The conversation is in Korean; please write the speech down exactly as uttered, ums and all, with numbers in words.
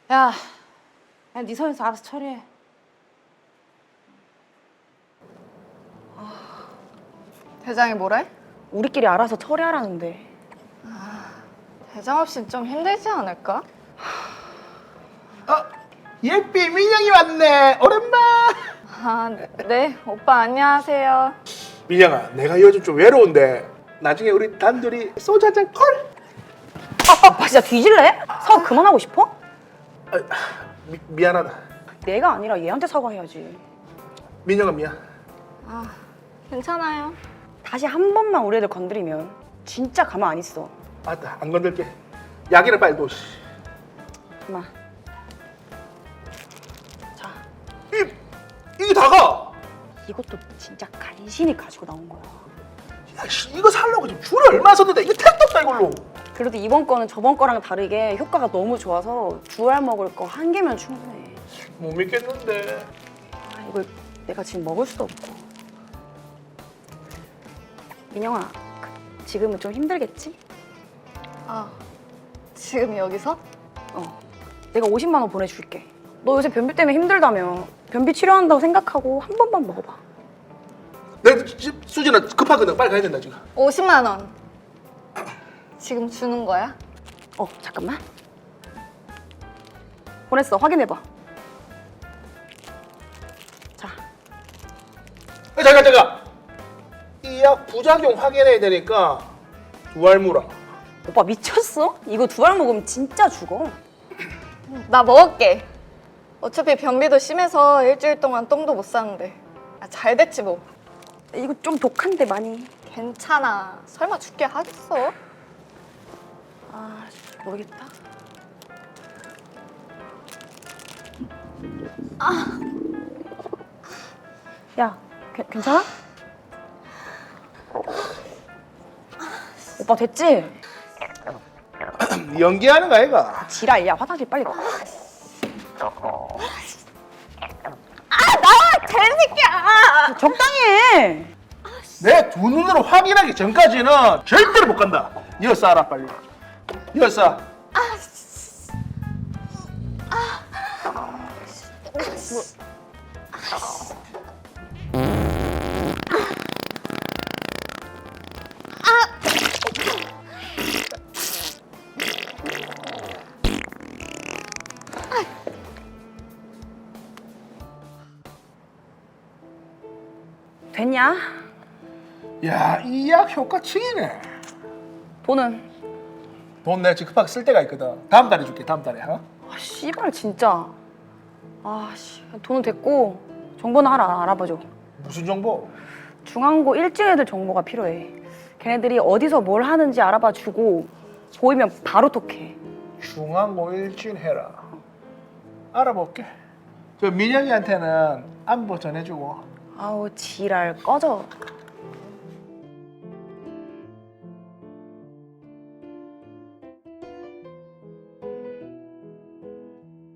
야, 야, 네 선에서 알아서 처리해. 대장이 뭐래? 우리끼리 알아서 처리하라는데. 대장 없이는 좀 힘들지 않을까? 어, 예삐 민영이 왔네. 오랜만. 아, 네. 오빠 안녕하세요. 민영아, 내가 요즘 좀 외로운데 나중에 우리 단둘이 소주 한잔 콜? 아, 오빠 진짜 뒤질래? 사과 그만하고 싶어? 아, 미, 미안하다. 내가 아니라 얘한테 사과해야지. 민영아 미안. 아, 괜찮아요. 다시 한 번만 우리 애들 건드리면 진짜 가만 안 있어. 맞다, 안 건들게. 약이나 빨리 둬. 씨. 그만. 자, 이, 이게 다가? 이것도 진짜 간신히 가지고 나온 거야. 야, 씨, 이거 살려고 지금 줄을 얼마 썼는데 이거 택도 없다 이걸로. 그래도 이번 거는 저번 거랑 다르게 효과가 너무 좋아서 두 알 먹을 거 한 개면 충분해. 못 믿겠는데. 아, 이걸 내가 지금 먹을 수도 없고. 민영아, 그, 지금은 좀 힘들겠지? 아, 지금 여기서? 어, 내가 오십만 원 보내줄게. 너 요새 변비 때문에 힘들다며. 변비 치료한다고 생각하고 한 번만 먹어봐. 내가 지금 수진아 급하거든. 빨리 가야 된다 지금. 오십만 원. 지금 주는 거야? 어, 잠깐만. 보냈어. 확인해봐. 자, 아, 잠깐 잠깐. 이 약 부작용 확인해야 되니까 두 알 물어. 오빠 미쳤어? 이거 두 알 먹으면 진짜 죽어. 나 먹을게. 어차피 변비도 심해서 일주일 동안 똥도 못 싸는데. 아, 잘 됐지 뭐. 이거 좀 독한데 많이. 괜찮아. 설마 죽게 하겠어? 아, 모르겠다. 아. 야, 괜- 괜찮아? 오빠 됐지? 연기하는 거 아이가? 지랄, 야 화장실 빨리 가. 개새끼야! 적당히 해. 내 두 눈으로 확인하기 전까지는 절대로 못 간다. 이어 싸라 빨리. 이어 싸. 됐냐? 야, 이 약 효과 층이네. 돈은? 돈 내가 지금 급하게 쓸 때가 있거든. 다음 달에 줄게. 다음 달에. 어? 아 씨발 진짜. 아씨 돈은 됐고 정보는 하나 알아봐줘. 무슨 정보? 중앙고 일진 애들 정보가 필요해. 걔네들이 어디서 뭘 하는지 알아봐주고 보이면 바로 톡해. 중앙고 일진해라. 알아볼게. 저 민영이한테는 안부 전해주고. 아우 지랄 꺼져.